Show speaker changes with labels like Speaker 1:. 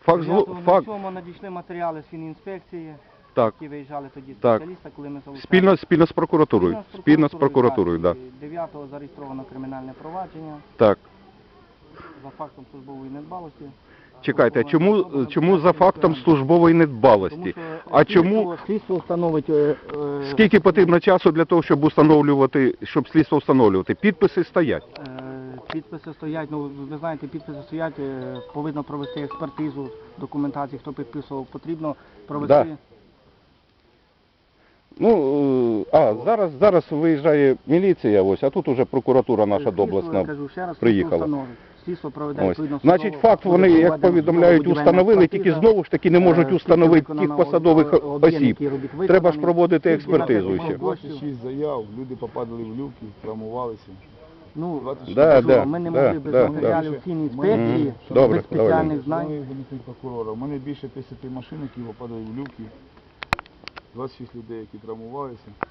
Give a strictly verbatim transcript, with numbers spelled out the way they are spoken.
Speaker 1: Факт, зло- факт,
Speaker 2: дев'ятого надійшли матеріали з фінінспекції,
Speaker 1: так,
Speaker 2: які виїжджали тоді
Speaker 1: Так.
Speaker 2: спеціаліста, коли ми залучали.
Speaker 1: спільно, спільно з прокуратурою, спільно з прокуратурою,
Speaker 2: так.
Speaker 1: да.
Speaker 2: дев'ятого зареєстровано кримінальне провадження
Speaker 1: Так.
Speaker 2: за фактом службової недбалості.
Speaker 1: Чекайте, а чому, чому за фактом службової недбалості?
Speaker 2: Тому що
Speaker 1: А
Speaker 2: слідство-
Speaker 1: чому,
Speaker 2: слідство встановить... е, е,
Speaker 1: скільки потрібно часу для того, щоб установлювати, щоб слідство встановлювати? Підписи стоять.
Speaker 2: Е, Підписи стоять, ну ви знаєте, підписи стоять, е, повинно провести експертизу документації, хто підписував, потрібно провести.
Speaker 1: Да. Ну, е, а, зараз, зараз виїжджає міліція, ось, а тут уже прокуратура наша
Speaker 2: Слідство,
Speaker 1: доблесна
Speaker 2: я кажу, ще раз,
Speaker 1: приїхала.
Speaker 2: слідство встановить. Слідство проведе
Speaker 1: Ось.
Speaker 2: відповідно
Speaker 1: Значить,
Speaker 2: судову-
Speaker 1: факт
Speaker 2: буде
Speaker 1: вони, як
Speaker 2: проведена
Speaker 1: повідомляють,
Speaker 2: судово-будівельна
Speaker 1: установили, тільки
Speaker 2: експертиза.
Speaker 1: знову ж таки не можуть
Speaker 2: Е,
Speaker 1: установити
Speaker 2: слідство
Speaker 1: тих
Speaker 2: виконано,
Speaker 1: посадових
Speaker 2: о- об'єм,
Speaker 1: осіб.
Speaker 2: який робіт виконаний.
Speaker 1: Треба ж проводити
Speaker 2: Скільки
Speaker 1: експертизу
Speaker 2: на це
Speaker 1: ще.
Speaker 2: коштів?
Speaker 3: двадцять шість заяв, люди попадали в люки, травмувалися.
Speaker 2: Ну,
Speaker 3: двадцять
Speaker 1: Да,
Speaker 2: кажу,
Speaker 1: да,
Speaker 2: ми не
Speaker 1: да,
Speaker 2: могли без
Speaker 1: да,
Speaker 2: матеріалів
Speaker 3: да.
Speaker 2: фінінспекції,
Speaker 1: Мгм. Добре,
Speaker 2: без спеціальних
Speaker 1: давай.
Speaker 2: знань.
Speaker 3: Шановний замісник прокурора, у мене більше десяти машин, які попадали в люки. двадцять шість людей, які травмувалися.